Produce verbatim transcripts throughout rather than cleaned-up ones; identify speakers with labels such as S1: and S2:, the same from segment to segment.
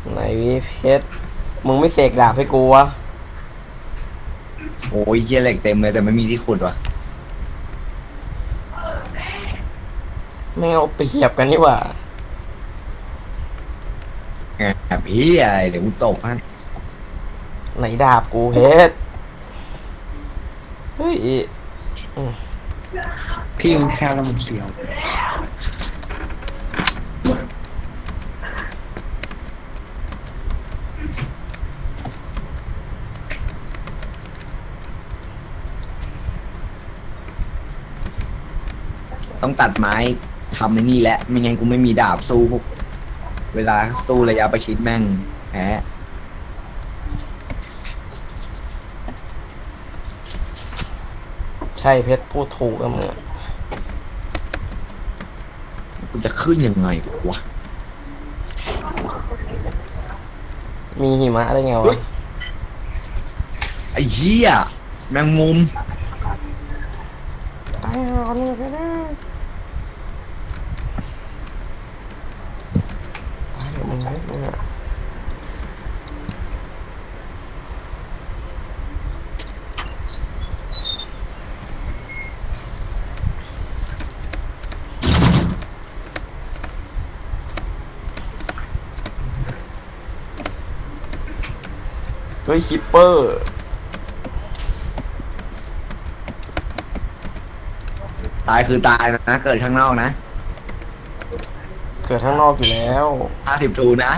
S1: ไหนวิเพชรมึงไม่เสกดาบให้กูวะ
S2: โอ้ยเหี้ยเหล็กเต็มเลยแต่ไม่มีที่ขุดวะ
S1: ไม่เอาเปรียบกันนี่หว่า
S2: แอบเหี้ยเดี๋ยวกูตบให้
S1: ไหนดาบกูเพชรเฮ้ย
S3: ที่มันแคบแล้วมันเสียว
S2: ต้องตัดไม้ทำในนี่แหละไม่งั้นกูไม่มีดาบสู้พวกเวลาสู้ระยะประชิดแม่งแพ้
S1: ใช่เพชรพูดถูกกับมึงอะ
S2: กูจะขึ้นยังไงวะ
S1: มีหิมะได้ไงวะ
S2: ไอ้เหี้ยแมงมุม
S1: ตายหามึงไปนะตายมึงเพชรมึงอะเฮ้ยคิปเปอร์
S2: ตายคือตายนะเกิดข้างนอกนะ
S1: เกิดข้างนอกอยู่แล้ว
S2: ห้าสิบทูนะ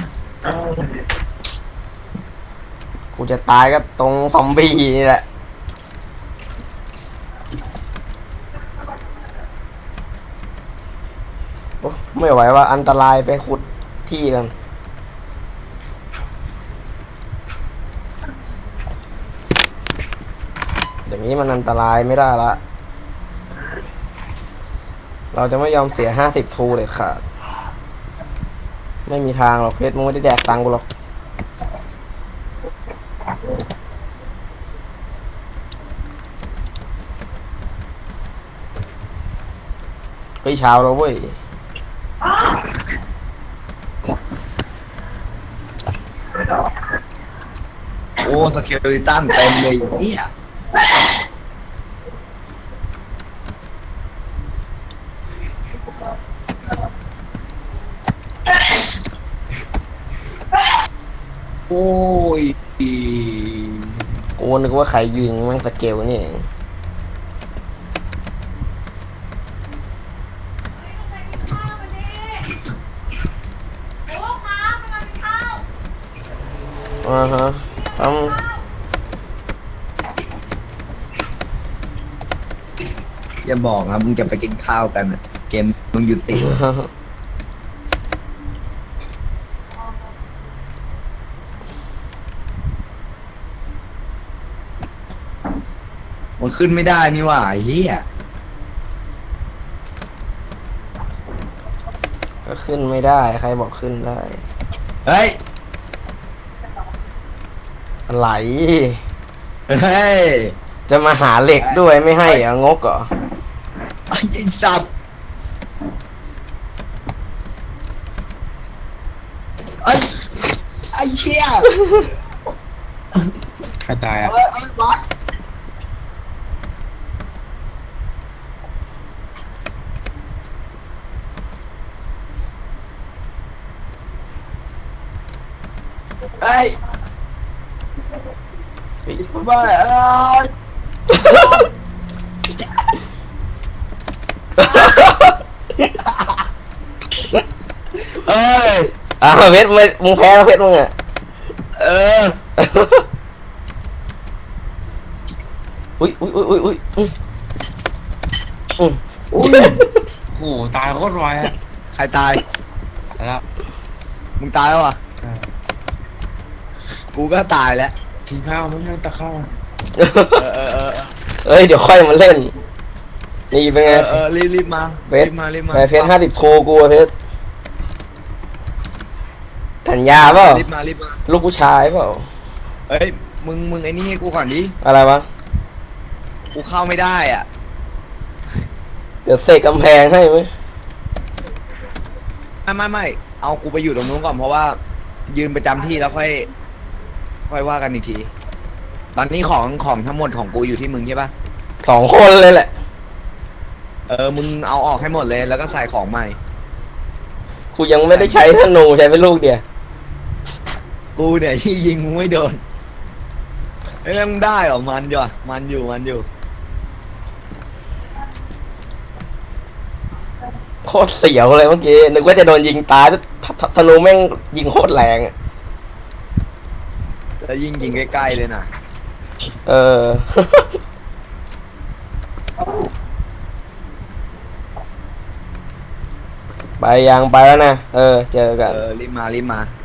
S1: กูจะตายก็ตรงซอมบี้นี่แหละโอ้ไม่ไหวว่าอันตรายไปขุดที่กันอย่างนี้มันอันตรายไม่ได้ละเราจะไม่ยอมเสียห้าสิบทูเลยค่ะไม่มีทางหรอกเพชรมึงไม่ได้แดกตังกูหรอกเฮ้ยเช้าแล้วเว้ย
S2: โอ้สกิลลิตันเต็มเลยเนี่ยโอ้ย
S1: กูนึกว่าใครยิงแม่งสเกลนี่เองอ่าฮะทำ
S2: อย่าบอกนะมึงจะไปกินข้าวกันอะเกมมึงยุติมันขึ้นไม่ได้นี่หว่าเฮีย
S1: ก็ขึ้นไม่ได้ใครบอกขึ้นได้
S2: เฮ้ย
S1: อะไร
S2: เฮ้ย
S1: จะมาหาเหล็กด้วยไม่ให้เหรองกเหรอ
S2: ไอ้สับไอ้ไอ้เชี่ย
S3: ใครตายอ่ะ
S2: เอ้ยเอ้ยบอสเฮ้ยบ้าเอ้ยเอ้ย
S1: อ่าเพชรมึงแพ้แล้วเพชรมึงอ่ะ
S2: เออ
S1: อุ้ยอุ้ยอุ้ยอุ้ยอุ้ยอืมอืม
S2: อุ้ย
S3: โอ้โหตายโคตรไวอ่ะ
S2: ใครตาย
S3: แล้ว
S2: มึงตายแล้วอ่ะกูก็ตายแล้ว
S3: กินข้าวไม่ใช่ตะข้าว
S2: เออเออเออ
S1: เอ้ยเดี๋ยวค่อยมาเล่นนี่เป็นไง
S2: เออรีบรีบมา
S1: เพชร
S2: มารีบมา
S1: เพชรห้าสิบโทกูเพชรสัญญาเปล่า
S2: รีบมารีบมา
S1: ลูกผู้ชายเปล่า
S2: เอ้ยมึงมึงไอ้นี่ให้กูก่อนดิ
S1: อะไรวะ
S2: กูเข้าไม่ได้อ่ะ
S1: เดี๋ยวเสกกำแพงให้ไหม
S2: ไม่ไม่ไม่เอากูไปอยู่ตรงนู้นก่อนเพราะว่ายืนประจำที่แล้วค่อย ค่อยว่ากันอีกที ตอนนี้ของของทั้งหมดของกูอยู่ที่มึงใช่ปะ
S1: สองคนเลยแหละ
S2: เออ มึงเอาออกให้หมดเลยแล้วก็ใส่ของใหม่
S1: กูยังไม่ได้ใช้ธนูใช้เป็นลูกเดียว
S2: กูเนี่ยที่ยิงมึงไม่โดนเอ้ยมึงได้เหรอ มันอยู่อะมันอยู่ มันอยู่
S1: โคตรเสียวเลยเมื่อกี้นึกว่าจะโดนยิงตายแต่ธธธนูแม่งยิงโคตรแรงอะ
S2: แล้วยิงยิงใกล้ๆเลยนะ
S1: เออ ไปยังไปแล้วนะ เออ เจอกัน
S2: เออ รีบมา รีบมา